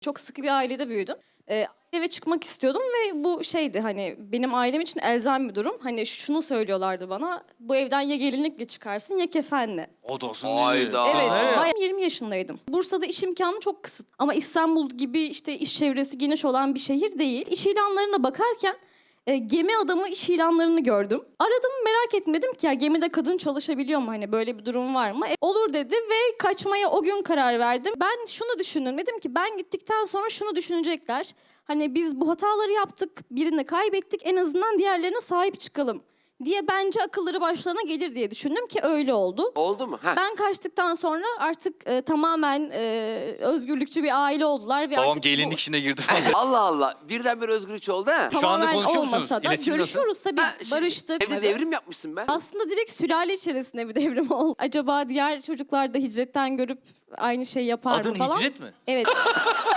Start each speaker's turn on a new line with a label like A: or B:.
A: Çok sıkı bir ailede büyüdüm. Eve çıkmak istiyordum ve bu şeydi hani benim ailem için elzem bir durum. Hani şunu söylüyorlardı bana, bu evden ya gelinlikle çıkarsın ya kefenle.
B: O da olsun.
C: Hayda.
A: Evet,
C: Aa.
A: bayağı 20 yaşındaydım. Bursa'da iş imkanı çok kısıt. Ama İstanbul gibi işte iş çevresi geniş olan bir şehir değil. İş ilanlarına bakarken gemi adamı iş ilanlarını gördüm. Aradım, merak ettim, dedim ki ya gemide kadın çalışabiliyor mu, hani böyle bir durum var mı? Olur dedi ve kaçmaya o gün karar verdim. Ben şunu düşündüm, dedim ki ben gittikten sonra şunu düşünecekler. Hani biz bu hataları yaptık, birini kaybettik, en azından diğerlerine sahip çıkalım diye, bence akılları başlarına gelir diye düşündüm ki öyle oldu.
C: Oldu mu? Ha.
A: Ben kaçtıktan sonra artık tamamen özgürlükçü bir aile oldular. Ve
B: Babam
A: artık
B: gelinlik işine girdi falan.
C: Allah Allah. Birdenbire özgürlükçü oldu ha.
B: Şu anda
A: tamamen
B: konuşuyor musunuz?
A: olmasa da
B: İletişim nasıl?
A: görüşüyoruz tabii,
C: Ha, şimdi
A: barıştık.
C: Evde devrim yapmışsın be.
A: Aslında direkt sülale içerisinde bir devrim oldu. Acaba diğer çocuklar da hicretten görüp aynı şey yapar mı
B: Adın
A: falan?
B: hicret mi?
A: Evet.